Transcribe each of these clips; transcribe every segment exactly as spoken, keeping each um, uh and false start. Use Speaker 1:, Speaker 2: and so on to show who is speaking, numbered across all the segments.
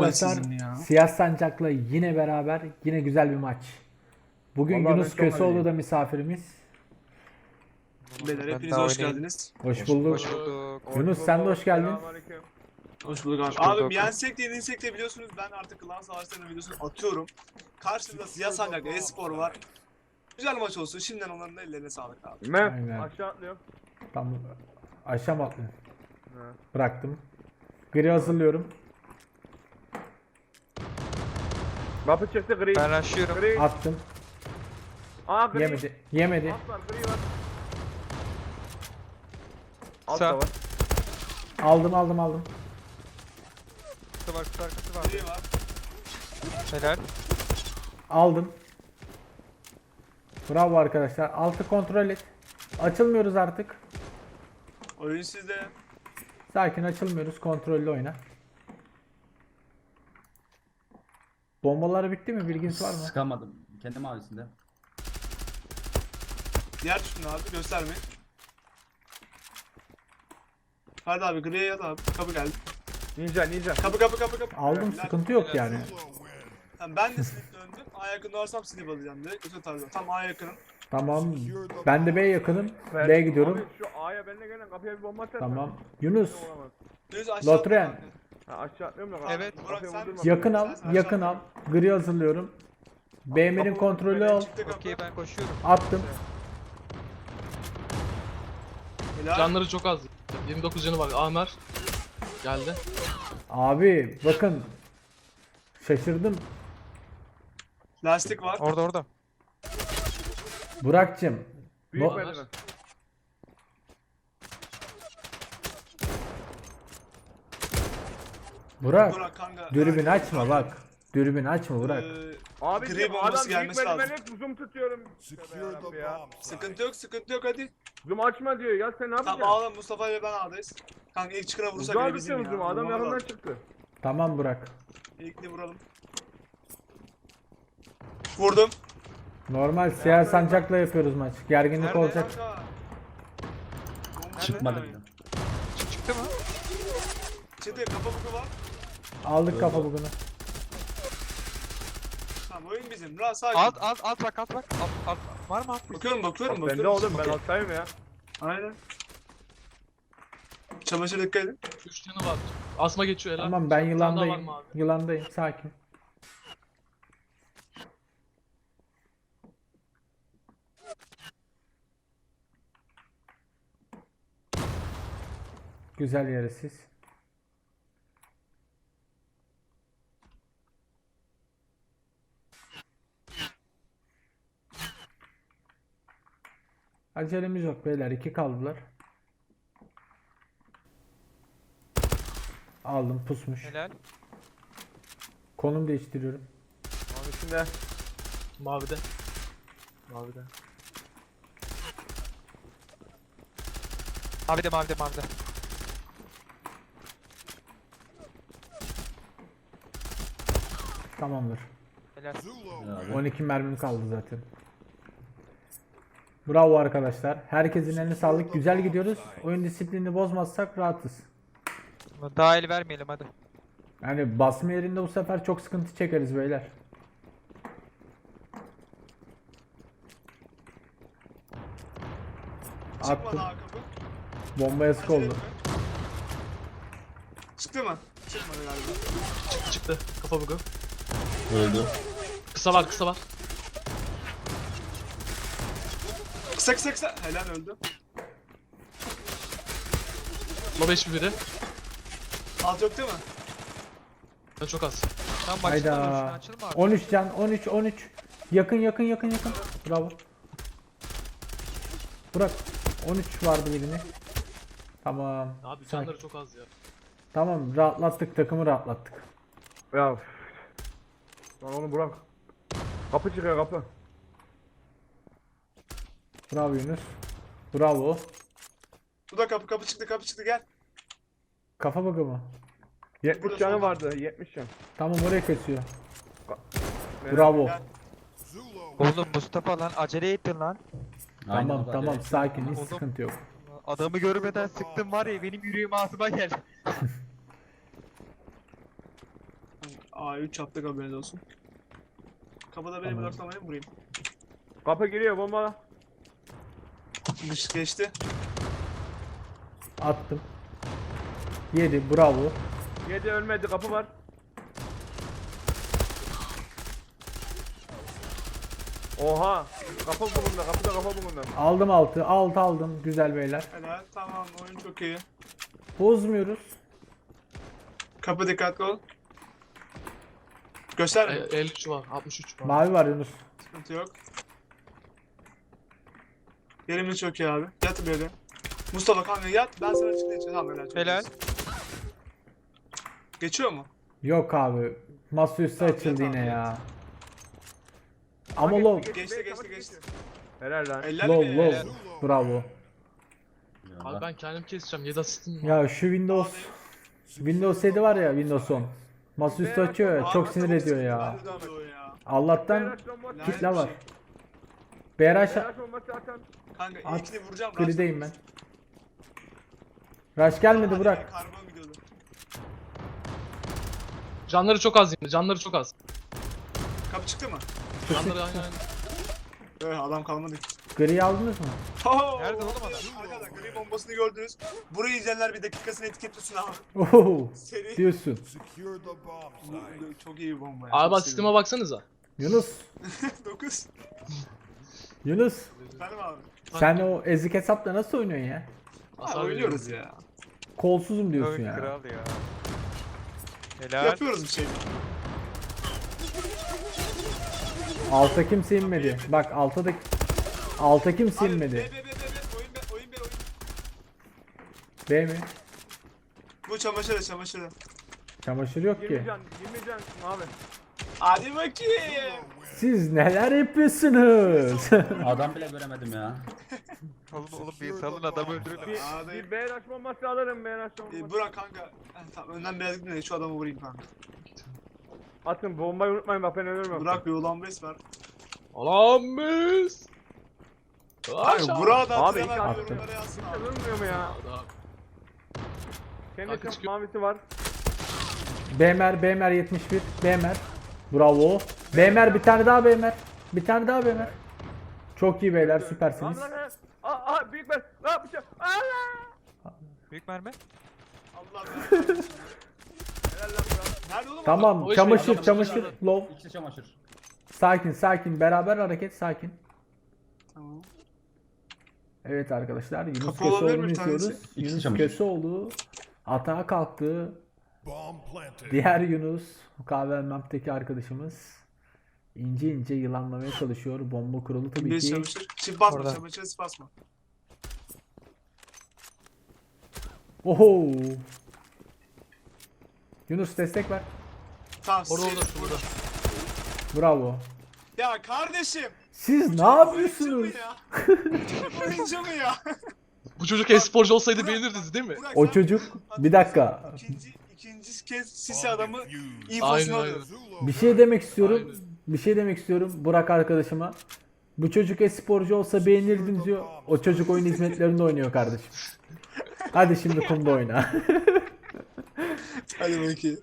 Speaker 1: arkadaşlar,
Speaker 2: sizin ya.
Speaker 1: Siyah Sancak'la yine beraber, yine güzel bir maç. Bugün
Speaker 3: Vallahi
Speaker 1: Yunus
Speaker 3: ben çok
Speaker 1: Köseoğlu
Speaker 3: iyiyim.
Speaker 1: da misafirimiz.
Speaker 2: Beyler
Speaker 4: Ben
Speaker 2: hepiniz
Speaker 4: daha
Speaker 2: hoş
Speaker 4: oynayayım.
Speaker 2: geldiniz.
Speaker 1: Hoş bulduk.
Speaker 4: Hoş bulduk.
Speaker 1: Yunus, sen de hoş geldin.
Speaker 3: Selamünaleyküm.
Speaker 2: Hoş bulduk abi.
Speaker 4: Hoş bulduk.
Speaker 2: Abi yensek de yenilsek de biliyorsunuz ben artık klan savaşlarının videosunu atıyorum. Karşımda Siyah Sancak e-spor var. Güzel maç olsun. Şimdiden onların da ellerine sağlık abi.
Speaker 3: Mert
Speaker 1: Aynen.
Speaker 3: aşağı atlıyorum.
Speaker 1: Tamam. Aşağı mı atlayayım?
Speaker 3: Ha.
Speaker 1: Bıraktım. Gri hazırlıyorum.
Speaker 3: Kapı çıktı gri.
Speaker 4: Ben aşıyorum.
Speaker 3: Gri.
Speaker 1: Attım.
Speaker 3: Aa gri.
Speaker 1: Yemedi. Yemedi.
Speaker 3: Alt var gri var. Alt
Speaker 4: Sağ.
Speaker 3: da var.
Speaker 1: Aldım aldım aldım.
Speaker 4: Kutu var, kutu arkası var.
Speaker 2: Biri var.
Speaker 4: Helal.
Speaker 1: Aldım. Bravo arkadaşlar. Altı kontrol et. Açılmıyoruz artık.
Speaker 2: Oyun sizde.
Speaker 1: Sakin, açılmıyoruz. Kontrollü oyna. Bombaları bitti mi? Bilginiz var mı?
Speaker 5: Sıkamadım. Kendi mavisinde.
Speaker 2: Diğer tutun abi gösterme. Hadi abi griye yat abi. Kapı geldi.
Speaker 3: Ninja ninja.
Speaker 2: Kapı kapı kapı kapı.
Speaker 1: Aldım,
Speaker 2: Helal.
Speaker 1: sıkıntı yok yani.
Speaker 2: Tamam, ben de slip döndüm. A yakında varsam slip alacağım direkt. Öte tarzda. Tam A yakınım.
Speaker 1: Tamam. Ben de B yakınım.
Speaker 3: Ver.
Speaker 1: B'ye gidiyorum.
Speaker 3: Abi şu A'ya benimle gelen kapıya bir bomba atsana.
Speaker 1: Tamam. Yunus,
Speaker 3: Olamaz.
Speaker 2: Düz aşağı
Speaker 1: Lotren.
Speaker 2: atla kanka.
Speaker 3: Ha aşağı atlıyorum da
Speaker 4: Evet.
Speaker 3: kapıyı
Speaker 2: Burak, sen-
Speaker 3: vurdurma.
Speaker 1: yakın al.
Speaker 2: Sen- sen
Speaker 1: Yakın al.
Speaker 2: aşağı-
Speaker 1: Gri hazırlıyorum. B Emir'in
Speaker 3: Kapı-
Speaker 1: kontrolü
Speaker 2: Böyle
Speaker 1: al.
Speaker 2: çıktı kapı.
Speaker 4: Okey, ben koşuyorum.
Speaker 1: Attım.
Speaker 2: Helal.
Speaker 6: Canları çok az. yirmi dokuz canı var. Amer geldi.
Speaker 1: Abi bakın. Şaşırdım.
Speaker 2: Lastik var.
Speaker 4: Orada orada.
Speaker 1: Burak'cığım.
Speaker 3: Büyük
Speaker 1: No-
Speaker 3: merdiven.
Speaker 1: Burak.
Speaker 2: Burak kanka.
Speaker 1: Dürbün açma bak. Dürbün açma Burak.
Speaker 2: Ee,
Speaker 3: Abi
Speaker 2: Gri
Speaker 3: diyorum,
Speaker 2: bombası
Speaker 3: adam büyük
Speaker 2: gelmesi lazım.
Speaker 3: merdivene hep zoom tutuyorum. Tövbe yarabbim ya.
Speaker 2: sıkıntı yok sıkıntı yok hadi.
Speaker 3: Zoom açma diyor ya sen ne
Speaker 2: Tamam
Speaker 3: yapacaksın?
Speaker 2: ağlam Mustafa ile ben ağdayız. Kanka ilk çıkına vursak
Speaker 3: Uzağa
Speaker 2: bile bizim
Speaker 3: tutuyorum
Speaker 2: ya.
Speaker 3: zoom'u adam
Speaker 2: Vurmamız
Speaker 3: yakından
Speaker 2: lazım.
Speaker 3: çıktı.
Speaker 1: Tamam Burak.
Speaker 2: İlkini vuralım. Vurdum.
Speaker 1: Normal siyah sancakla yapıyoruz maç. Gerginlik
Speaker 4: Nerede?
Speaker 1: olacak.
Speaker 2: Kanka. Bomba
Speaker 5: Çıkmadı
Speaker 2: nerede?
Speaker 5: bile.
Speaker 4: Çık- Çıktı mı?
Speaker 2: Çıktı kapı buku var.
Speaker 1: Aldık kafa bugünü.
Speaker 2: Tamam oyun bizim. Rahat sakin.
Speaker 4: Alt alt alt bak alt bak. Alt, alt. Var mı alt?
Speaker 2: Bakıyorum bakıyorum
Speaker 3: Ben de
Speaker 2: bakıyorum.
Speaker 3: oğlum ben alttayım ya.
Speaker 2: Aynen. Çamaşır dikkat edin.
Speaker 6: üç canı var. Asma geçiyor helal.
Speaker 1: Tamam, ben
Speaker 6: Bir tane daha var
Speaker 1: yılandayım.
Speaker 6: mı abi?
Speaker 1: Yılandayım, sakin. Güzel yere siz. Acelemiz yok beyler, iki kaldılar. Aldım, pusmuş.
Speaker 4: Helal.
Speaker 1: Konum değiştiriyorum.
Speaker 3: Onun içinde.
Speaker 6: Mavide. Mavide.
Speaker 4: Mavide mavide mavide.
Speaker 1: Tamamdır.
Speaker 4: Helal.
Speaker 5: Abi.
Speaker 1: on iki mermim kaldı zaten. Bravo arkadaşlar. Herkesin eline sağlık. Güzel gidiyoruz. Oyun disiplinini bozmazsak rahatız.
Speaker 4: Daha el vermeyelim hadi.
Speaker 1: Yani basma yerinde bu sefer çok sıkıntı çekeriz beyler.
Speaker 2: Çıkmadı
Speaker 1: Attım.
Speaker 2: ha kapı.
Speaker 1: Bombaya sık
Speaker 2: Acele
Speaker 1: oldu.
Speaker 2: etme. Çıktı mı? Çıkmadı galiba.
Speaker 6: Çıktı çıktı. Kafa bugu.
Speaker 5: Öldü.
Speaker 6: Kısa var kısa var.
Speaker 2: Kısa kısa kısa. Helal öldü.
Speaker 6: Low beş biri.
Speaker 2: Alt yok değil mi?
Speaker 6: Ben çok az.
Speaker 4: Tamam bak şimdi
Speaker 1: Hayda.
Speaker 4: şunu açılma abi.
Speaker 1: on üç can. on üç on üç. Yakın yakın yakın yakın. Bravo. Burak. on üç vardı birini. Tamam.
Speaker 6: Abi
Speaker 1: Sakin.
Speaker 6: canları çok az ya.
Speaker 1: Tamam, rahatlattık. Takımı rahatlattık.
Speaker 3: Ya. üf. Lan onu bırak. Kapı çıkıyor kapı.
Speaker 1: Bravo Yunus. Bravo.
Speaker 2: Bu da kapı kapı çıktı kapı çıktı gel.
Speaker 1: Kafa bakı mı?
Speaker 3: yetmiş
Speaker 2: Burada
Speaker 3: canı
Speaker 2: solda.
Speaker 3: vardı yetmiş can.
Speaker 1: Tamam, oraya kesiyor.
Speaker 3: Merak-
Speaker 1: Bravo.
Speaker 2: Gel.
Speaker 4: Oğlum Mustafa lan acele ettin lan.
Speaker 5: Aynen
Speaker 1: Tamam
Speaker 5: abi,
Speaker 1: tamam,
Speaker 5: acele.
Speaker 1: sakin, hiç
Speaker 4: Oğlum.
Speaker 1: sıkıntı yok.
Speaker 4: Adamı görmeden sıktım var ya benim yüreğim ağzıma geldi.
Speaker 2: A üç yaptık, haberiniz olsun. Kapıda beni
Speaker 1: Tamam.
Speaker 2: bloklamayın, vurayım.
Speaker 3: Kapı giriyor bomba.
Speaker 2: Dış geçti.
Speaker 1: Attım. Yedi. Bravo.
Speaker 3: Yedi ölmedi kapı var. Oha. Kapı bugunda kapıda kapı bugunda.
Speaker 1: Aldım altı. Altı aldım. Güzel beyler.
Speaker 2: Helal, tamam, oyun çok iyi.
Speaker 1: Bozmuyoruz.
Speaker 2: Kapı dikkatli ol. Göster
Speaker 6: E,
Speaker 2: mi?
Speaker 6: elli üç var. altmış üç var.
Speaker 1: Mavi var Yunus.
Speaker 2: Sıkıntı yok. Yerimiz çok iyi abi. Yat böyle. Mustafa kanka yat, ben sana açıklayacağım. Tamam, helal. çok
Speaker 4: Helal.
Speaker 2: iyisin. Geçiyor mu?
Speaker 1: Yok abi. Masaüstü
Speaker 2: Tamam,
Speaker 1: açıldı
Speaker 2: tamam,
Speaker 1: yine
Speaker 2: tamam.
Speaker 1: ya. Ama low.
Speaker 2: Geçti, geçti, geçti.
Speaker 3: Helal lan.
Speaker 2: Eller
Speaker 1: Low
Speaker 2: mi?
Speaker 1: low. Bravo.
Speaker 6: Abi ben kendim keseceğim. yedi asistim var.
Speaker 1: Ya şu Windows Windows yedi var ya, Windows on. Masaüstü açıyor ya,
Speaker 2: Abi,
Speaker 1: çok sinir
Speaker 2: çok
Speaker 1: ediyor ya.
Speaker 2: sinirli oluyor ya.
Speaker 1: Allah'tan
Speaker 3: Beyraş bombası.
Speaker 2: Lanet
Speaker 1: kitle
Speaker 2: bir
Speaker 1: var.
Speaker 2: şey.
Speaker 1: B R H
Speaker 3: Beyraş bombası atan.
Speaker 2: Kanka
Speaker 1: At.
Speaker 2: ilkini vuracağım.
Speaker 1: grideyim ben.
Speaker 2: Rush'tan
Speaker 1: Rush gelmedi,
Speaker 2: Hadi
Speaker 1: bırak.
Speaker 2: be, karbon gidiyordu.
Speaker 6: Canları çok az yine. Canları çok az.
Speaker 2: Kapı çıktı mı?
Speaker 6: Canları aynen aynen.
Speaker 2: Evet, adam kalmadı.
Speaker 1: Gri'yi aldınız mı?
Speaker 2: Oh!
Speaker 4: Nerede oğlum adam?
Speaker 2: Arkadaşlar gri bombasını gördünüz. Burayı izleyenler bir dakikasını etiketlesin abi.
Speaker 1: Oho
Speaker 2: Seri.
Speaker 1: diyorsun.
Speaker 2: Bu- Çok iyi bir bomba ya.
Speaker 6: Abi
Speaker 2: Çok
Speaker 6: asistime baksanıza.
Speaker 1: Yunus,
Speaker 2: seviyorum. dokuz.
Speaker 1: Yunus.
Speaker 2: Efendim abi.
Speaker 1: Sen o ezik hesapla nasıl oynuyorsun ya?
Speaker 2: Abi
Speaker 6: Hasar
Speaker 2: oynuyoruz
Speaker 6: veriyoruz.
Speaker 2: ya.
Speaker 1: Kolsuzum diyorsun
Speaker 4: Oyun
Speaker 1: ya.
Speaker 4: kral ya. Helal.
Speaker 2: Yapıyoruz bir şey.
Speaker 1: Alta kimse inmedi. Bak alta da alta kimse
Speaker 2: Abi be be
Speaker 1: inmedi.
Speaker 2: be be be. Oyun be oyun be oyun.
Speaker 1: B mi?
Speaker 2: Bu çamaşırı çamaşırı.
Speaker 1: Çamaşır yok
Speaker 3: yirmi
Speaker 1: ki.
Speaker 3: can. yirmi can abi.
Speaker 2: Hadi bakayım.
Speaker 1: Siz neler yapıyorsunuz?
Speaker 5: Adam bile göremedim ya.
Speaker 4: Oğlum oğlum bir salın adamı öldürün.
Speaker 3: Bir,
Speaker 2: Abi.
Speaker 3: bir Beyraş bombası alırım Beyraş bombası.
Speaker 2: E, Burak kanka. Heh, tamam önden biraz gidin de şu adamı vurayım kanka.
Speaker 3: Atın bombayı unutmayın bak ben ölürüm.
Speaker 2: Burak bir ulan bes var.
Speaker 6: Allah'ım biz.
Speaker 2: Abi Burak'a da
Speaker 3: Abi,
Speaker 2: hatırlamam
Speaker 1: iki
Speaker 2: yorumlara yazsın abi.
Speaker 3: Ölmüyor mu ya?
Speaker 6: Kanka
Speaker 3: Kendi
Speaker 6: çıkıyor.
Speaker 3: mavisi var.
Speaker 1: Bemer, Bemer yetmiş bir. Bemer. Bravo. Bemer bir tane daha Bemer. Bir tane daha Bemer. Çok iyi beyler, süpersiniz.
Speaker 3: Lan lan lan. Aa, aa büyük ben. Ne yapacağım? Allah.
Speaker 4: Büyük mermi.
Speaker 2: Allah belanı.
Speaker 3: Helal lan Burak.
Speaker 2: Nerede oğlum?
Speaker 1: Tamam,
Speaker 6: O iş
Speaker 1: çamaşır,
Speaker 6: benim,
Speaker 1: çamaşır, low.
Speaker 5: İkisi çamaşır.
Speaker 1: Sakin, sakin. Beraber hareket, sakin.
Speaker 2: Tamam.
Speaker 1: Evet arkadaşlar, Yunus
Speaker 2: Kapı olabilir mi
Speaker 1: Köseoğlu'nu
Speaker 2: bir tanesi?
Speaker 1: izliyoruz.
Speaker 5: İkisi
Speaker 1: Yunus
Speaker 5: çamaşır.
Speaker 1: Köseoğlu atağa kalktı. Diğer Yunus, Kahve Map'teki arkadaşımız ince ince yılanlamaya çalışıyor. Bomba kurulu tabii
Speaker 2: Bir
Speaker 1: ki.
Speaker 2: çamaşır. Şimdi basma
Speaker 4: Orada.
Speaker 2: çamaşırı basma.
Speaker 1: Oho! Yunus destek ver.
Speaker 2: Tamam.
Speaker 6: Orada
Speaker 2: sil.
Speaker 6: orada şurada.
Speaker 1: Bravo.
Speaker 2: Ya kardeşim.
Speaker 1: Siz ne
Speaker 2: Oyuncu
Speaker 1: yapıyorsunuz?
Speaker 2: mu ya? Oyuncu mu ya?
Speaker 6: Bu çocuk e-sporcu olsaydı beğenirdiniz değil mi?
Speaker 2: Burak,
Speaker 1: O
Speaker 2: sen-
Speaker 1: çocuk bir dakika.
Speaker 2: İkinci, ikinci kez sisi adamı
Speaker 6: Aynen
Speaker 2: infosunu
Speaker 6: aynen.
Speaker 2: alıyor.
Speaker 1: Bir şey demek istiyorum.
Speaker 6: Aynen.
Speaker 1: Bir şey demek istiyorum Burak arkadaşıma. Bu çocuk e-sporcu olsa beğenirdin diyor. O çocuk oyun hizmetlerinde oynuyor kardeşim. Hadi şimdi kumda oyna.
Speaker 2: Hadi bakayım.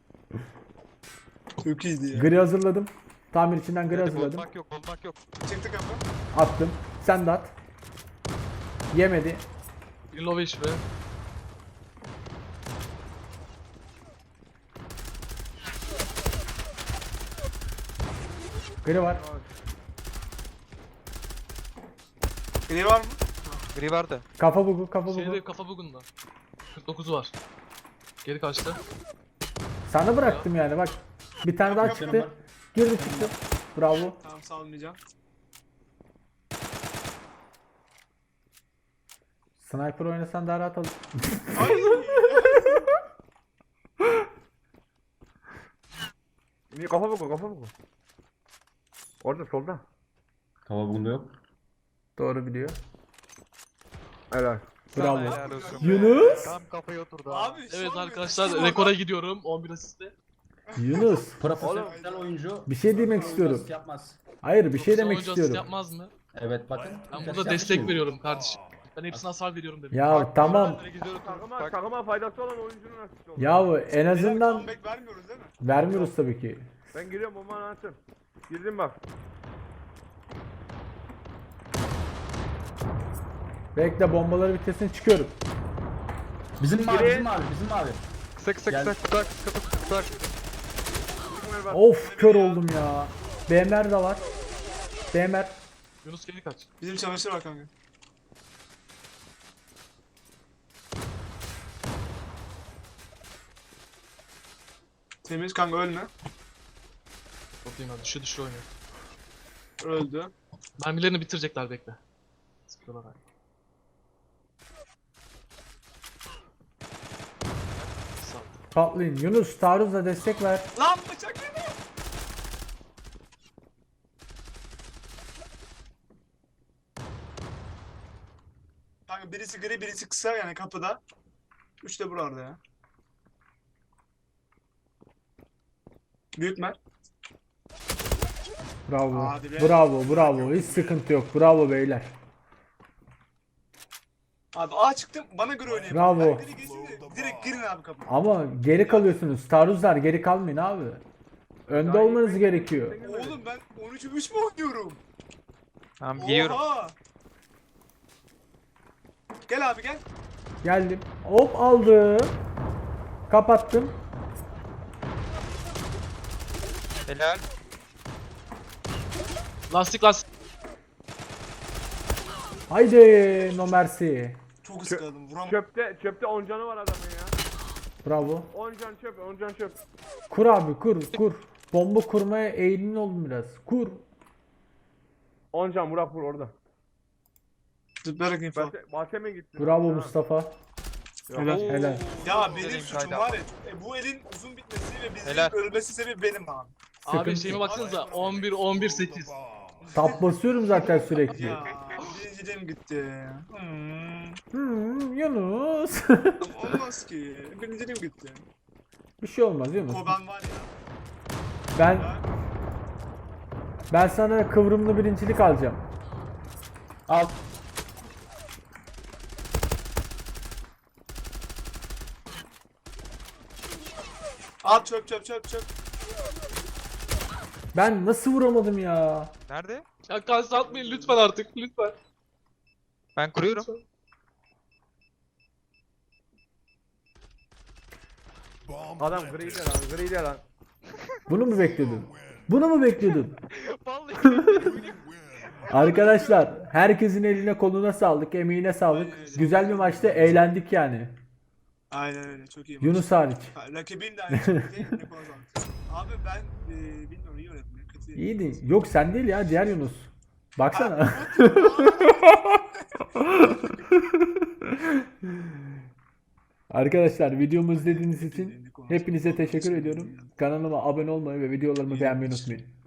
Speaker 2: Çok iyiydi ya.
Speaker 1: Gri hazırladım. Tamir içinden gri
Speaker 4: Hadi
Speaker 1: hazırladım.
Speaker 4: olmak yok olmak yok.
Speaker 2: Çıktı kapı.
Speaker 1: Attım. Sen de at. Yemedi.
Speaker 6: Ilovic be.
Speaker 1: Gri var.
Speaker 2: Gri var mı?
Speaker 4: Gri vardı.
Speaker 1: Kafa bugu, kafa bugu.
Speaker 6: Şeyde kafa bugunda. kırk dokuz var. Geri kaçtı.
Speaker 1: Sana bıraktım yani bak. Bir tane daha
Speaker 2: Yok,
Speaker 1: çıktı.
Speaker 5: yok.
Speaker 1: Girdi çıktı. Bravo.
Speaker 2: Tamam salmayacağım.
Speaker 1: Sniper oynasan daha rahat olur.
Speaker 2: Ay.
Speaker 3: Niye kafa buku kafa buku. Orada solda.
Speaker 5: Hava bugunda yok.
Speaker 1: Doğru biliyor.
Speaker 3: Helal.
Speaker 1: Bravo.
Speaker 4: Helal olsun be.
Speaker 1: Yunus.
Speaker 4: Tam kafaya oturdu.
Speaker 2: Abi
Speaker 6: Evet
Speaker 2: sormuyor.
Speaker 6: arkadaşlar
Speaker 2: Kim
Speaker 6: rekora
Speaker 2: orada?
Speaker 6: gidiyorum. on bir asiste.
Speaker 1: Yunus.
Speaker 5: Profesyonel oyuncu.
Speaker 1: Bir şey demek
Speaker 5: oyuncu
Speaker 1: istiyorum.
Speaker 5: asist Yapmaz.
Speaker 1: Hayır bir şey demek
Speaker 6: Oyuncu asist
Speaker 1: istiyorum.
Speaker 6: yapmaz mı?
Speaker 5: Evet bakın.
Speaker 6: Ben
Speaker 5: Kaç
Speaker 6: burada
Speaker 5: yapmış
Speaker 6: destek
Speaker 5: mı?
Speaker 6: veriyorum kardeşim. Ben hepsine hasar veriyorum dedim.
Speaker 1: Ya tamam.
Speaker 4: Güzel otur.
Speaker 3: Takıma,
Speaker 4: Bak.
Speaker 3: takıma faydası olan oyuncunun asisti oldu.
Speaker 1: Yahu en
Speaker 2: Beyler,
Speaker 1: azından
Speaker 2: comeback vermiyoruz değil mi?
Speaker 1: vermiyoruz tabii ki.
Speaker 3: Ben giriyorum bombanı atın. Girdim bak.
Speaker 1: Bekle bombaları bitirsin çıkıyorum.
Speaker 5: Bizim mavi,
Speaker 3: Biri-
Speaker 5: bizim mavi, bizim mavi.
Speaker 4: Kısa kısa
Speaker 5: Gel.
Speaker 4: kısa kısa kısa kısa.
Speaker 3: Çıkmaya bak.
Speaker 1: Of kör oldum ya. B M R de var. B M R.
Speaker 6: Yunus geri kaç.
Speaker 2: Bizim çamaşır var kanka. Temiz kanka ölme.
Speaker 6: Bakayım hadi düşü düşü oynuyor.
Speaker 2: Öldü.
Speaker 6: Mermilerini bitirecekler bekle. Sıkıyorlar abi. Sağ ol.
Speaker 1: Patlayın. Yunus taarruzla destek ver.
Speaker 2: Lan bıçak yedi. Kanka birisi gri birisi kısa yani kapıda. Üç de burada ya. Büyütme.
Speaker 1: Bravo.
Speaker 2: Hadi be.
Speaker 1: Bravo bravo. Hiç sıkıntı yok. Bravo beyler.
Speaker 2: Abi A çıktım bana göre oynayayım.
Speaker 1: Bravo.
Speaker 2: Ben gri geçsin de direkt girin abi kapıya.
Speaker 1: Ama geri kalıyorsunuz. Taarruzlar geri kalmayın abi. Önde
Speaker 3: Ya
Speaker 1: olmanız
Speaker 3: ilk-
Speaker 1: gerekiyor.
Speaker 2: Oğlum ben on üçe üç mü oynuyorum?
Speaker 4: Tamam giyiyorum.
Speaker 2: Oha! Gel abi gel.
Speaker 1: Geldim. Hop aldım. Kapattım.
Speaker 4: Helal.
Speaker 6: Lastik lastik.
Speaker 1: Haydi no mercy.
Speaker 2: Çok ıskaladım vuram.
Speaker 3: Çöpte, çöpte on canı var adamın ya.
Speaker 1: Bravo.
Speaker 3: on can çöp, on can çöp.
Speaker 1: Kur abi kur kur. Bomba kurmaya eğilimli oldum biraz. Kur.
Speaker 3: on can Burak vur orada.
Speaker 2: Zıplayarak info.
Speaker 3: Bahse, bahse mi gitti?
Speaker 1: Bravo
Speaker 3: Ha.
Speaker 1: Mustafa.
Speaker 2: Helal.
Speaker 1: Helal.
Speaker 2: Ya
Speaker 4: Oo,
Speaker 2: benim
Speaker 4: dedim
Speaker 2: suçum
Speaker 4: kaydı.
Speaker 2: var ya. E, bu elin uzun bitmesi ve bizim
Speaker 4: Helal.
Speaker 2: ölmesi sebebi benim abi.
Speaker 6: Abi
Speaker 1: Sıkıntı
Speaker 6: şeyime
Speaker 1: yok.
Speaker 6: baksanıza on bir on bir sekiz.
Speaker 1: Tap basıyorum zaten sürekli.
Speaker 2: Ya birinciliğim gitti. Hmm.
Speaker 1: Hmm, Yunus.
Speaker 2: Olmaz ki. Birinciliğim gitti.
Speaker 1: Bir şey olmaz Yunus.
Speaker 2: Koban var ya.
Speaker 1: Ben
Speaker 2: Ben...
Speaker 1: ben sana kıvrımlı birincilik alacağım.
Speaker 5: Al.
Speaker 2: At çöp çöp çöp çöp.
Speaker 1: Ben nasıl vuramadım ya?
Speaker 4: Nerede?
Speaker 6: Ya kalsın atmayın lütfen artık lütfen.
Speaker 4: Ben kuruyorum.
Speaker 3: Adam gri de lan, gri de lan.
Speaker 1: Bunu mu bekliyordun? Bunu mu bekliyordun?
Speaker 4: Vallahi.
Speaker 1: Arkadaşlar herkesin eline koluna sağlık, emeğine sağlık. Güzel bir maçta eğlendik yani.
Speaker 2: Aynen öyle çok iyi maç.
Speaker 1: Yunus hariç.
Speaker 2: Ha, rakibin de aynı şekilde ne kazandı. Abi ben e, bilmiyorum iyi yönettim. ya, Kötü.
Speaker 1: İyiydi. Yok sen değil ya diğer Yunus. Baksana. Arkadaşlar videomu izlediğiniz için hepinize teşekkür ediyorum. Kanalıma abone olmayı ve videolarımı beğenmeyi unutmayın.